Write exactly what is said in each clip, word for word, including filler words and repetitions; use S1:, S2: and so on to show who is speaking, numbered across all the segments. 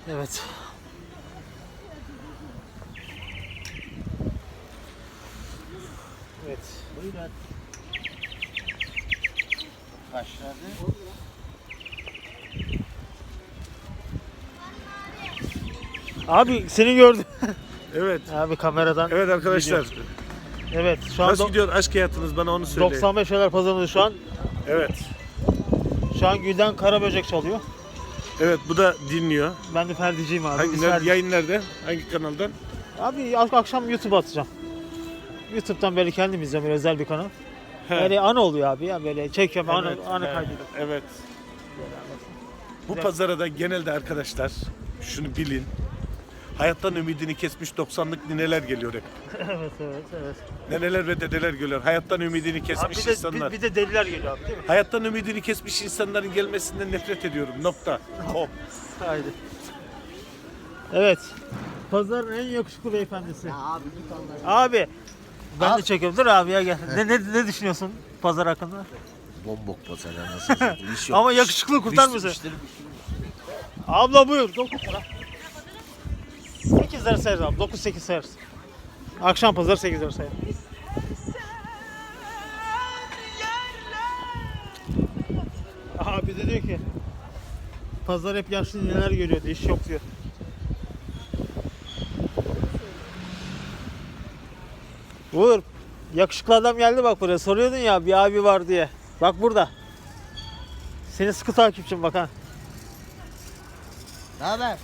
S1: Evet. Evet.
S2: Buyurun. Başladı.
S1: Abi seni gördüm.
S3: Evet.
S1: Abi kameradan.
S3: Evet arkadaşlar.
S1: Video. Evet şu an
S3: Nasıl
S1: do-
S3: gidiyor aşk hayatınız, bana onu söyleyin.
S1: doksan beş Şeyler Pazarı'nda şu an.
S3: Evet.
S1: Şu an Gülden Karaböcek çalıyor.
S3: Evet, bu da dinliyor.
S1: Ben de Ferdiciyim abi.
S3: Hangi
S1: Biz
S3: nerede,
S1: Ferdi-
S3: yayın nerede? Hangi kanaldan?
S1: Abi ak- akşam YouTube'a atacağım. YouTube'dan böyle kendim izliyorum, böyle özel bir kanal.
S3: He.
S1: Böyle anı oluyor abi ya, böyle çekiyorum, anı,
S3: Evet,
S1: anı
S3: he,
S1: kaydediyorum.
S3: Evet. Bu
S1: Güzel.
S3: pazara da genelde arkadaşlar şunu bilin. Hayattan ümidini kesmiş doksanlık nineler geliyor hep.
S1: Evet evet evet.
S3: Neneler ve dedeler geliyor. Hayattan ümidini
S1: Abi
S3: kesmiş
S1: bir de,
S3: insanlar.
S1: bir, bir de deliler geliyor abi değil mi?
S3: Hayattan ümidini kesmiş insanların gelmesinden nefret ediyorum. Nokta. Hop.
S1: Haydi. Evet. Pazarın en yakışıklı beyefendisi.
S2: Ya abi git onları.
S1: Abi ben
S2: Abi-
S1: de çekiyorum. Dur abi ya gel. Ne, ne, ne düşünüyorsun pazar hakkında?
S2: Bombok pazar anasını satayım. İş yok.
S1: Ama yakışıklı kurtar
S2: Müşteri-
S1: mısın?
S2: müşteri bir şey yok.
S1: Abla buyur. dokuz lira. sekiz lira sayarız abi. dokuz sekiz sayarız. Akşam pazar sekiz lira sayarız. Abi de diyor ki pazar hep yaşlı neler görüyor diyor. İş yok diyor. Vur. Yakışıklı adam geldi bak buraya. Soruyordun ya bir abi var diye. Bak burada. Seni sıkı takipçim bak ha.
S2: Ne haber?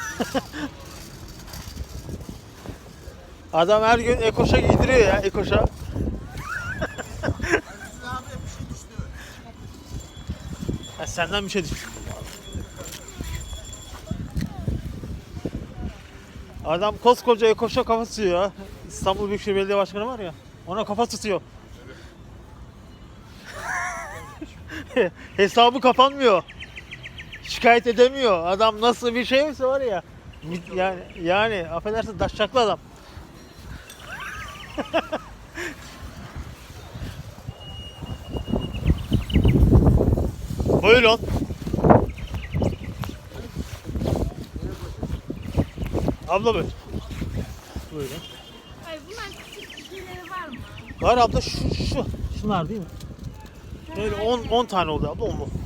S1: Adam her gün Ekoş'a giydiriyor ya Ekoş'a. Ha, senden bir şey düştü. Adam koskoca Ekoş'a kafa tutuyor ya. İstanbul Büyükşehir Belediye Başkanı var ya. Ona kafa tutuyor. Hesabı kapanmıyor. Şikayet edemiyor. Adam nasıl bir şeyse var ya. Yani yani affedersin daşşaklı adam. Buyurun. Abla buyur. Buyurun.
S4: Hayır, bunlar küçük şeyleri var mı?
S1: Var abla şu şu. Şunlar değil mi? Böyle on on tane oldu abla on mu?